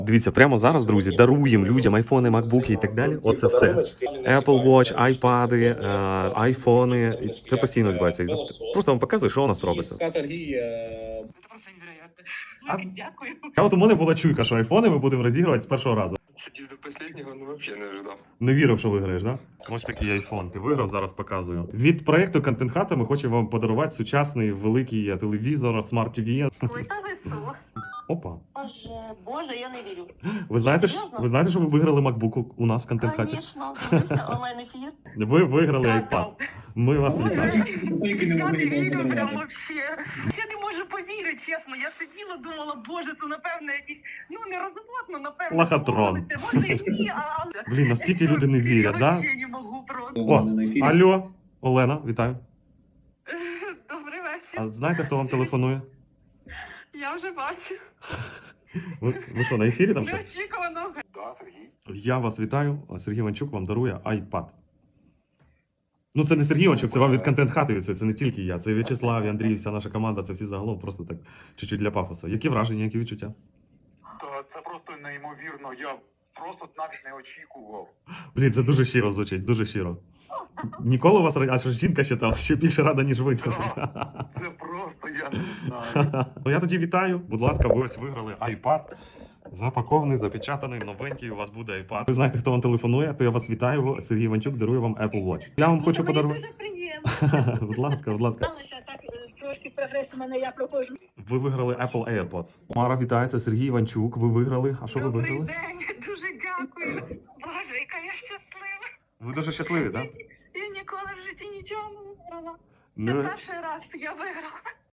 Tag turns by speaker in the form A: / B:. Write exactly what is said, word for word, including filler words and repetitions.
A: Дивіться, прямо зараз, друзі, даруємо людям айфони, макбуки і так далі. Оце все. Apple Watch, айпади, е, айфони. Це постійно відбувається. Просто вам показую, що у нас робиться.
B: Це просто невероятно.
A: А-
B: Дякую.
A: А от у мене була чуйка, що айфони ми будемо розігрувати з першого разу.
C: Сидів до останнього, ну взагалі не ожидав.
A: Не вірив, що виграєш, да? Ось такий айфон. Ти виграв, зараз показую. Від проекту Контент Хата ми хочемо вам подарувати сучасний великий телевізор, смарт-ТВ.
D: Ой, та ви що?
A: Опа.
D: Боже, боже, я не вірю.
A: Ви знаєте, ж-
D: Серйозно?
A: ви знаєте, що ви виграли MacBook у нас в Контент Хаті?
D: Звісно, дивлюся онлайн ефір.
A: Ви виграли iPad. Ми вас вітаємо.
B: Я не вірю прям вообще. Я не можу повірити, чесно. Я сиділа, думала, боже, це напевно якісь, ну не розводно, напевно.
A: Лохотрон.
B: домовилися. Може ні, а...
A: Блін, наскільки люди не вірять,
B: Я
A: да?
B: вообще не можу просто.
A: О, алло, Олена, вітаю.
B: Добрий вечір.
A: А знаєте, хто вам телефонує?
B: Я вже бачу.
A: Ви, ви що, на ефірі там щось?
B: Неочікувано.
C: Да, Сергій.
A: Я вас вітаю. Сергій Іванчук вам дарує iPad. Ну, це не Сергій Іванчук, це вам від Контент Хати від цього. Це не тільки я. Це В'ячеслав, і Андрій, вся наша команда, це всі загалом просто так чуть-чуть для пафосу. Які враження, які відчуття?
E: Та це просто неймовірно. Я просто навіть не очікував.
A: Блін, це дуже щиро звучить, дуже щиро. Ніколи у вас ра- а що жінка ще там ще більше рада, ніж ви.
E: Це просто я не знаю.
A: Ну я тоді вітаю. Будь ласка, ви ось виграли iPad. Запакований, запечатаний, новенький. У вас буде iPad. Ви знаєте, хто вам телефонує, то я вас вітаю. Сергій Іванчук дарує вам Apple Watch. Я вам хочу
D: Мені
A: подарувати.
D: дуже приємно.
A: Будь ласка, будь ласка.
D: Сталося так, е, трошки прогрес у мене, я проходжу.
A: Ви виграли Apple AirPods. Мара, вітається, Сергій Іванчук. Ви виграли. А що ви
B: Добрий
A: виграли?
B: день, дуже дякую. Боже, яка я щаслива.
A: Ви дуже щасливі, так?
B: Я ніколи в житті нічого не виграла. Це
A: Ну,
B: перший раз я виграла.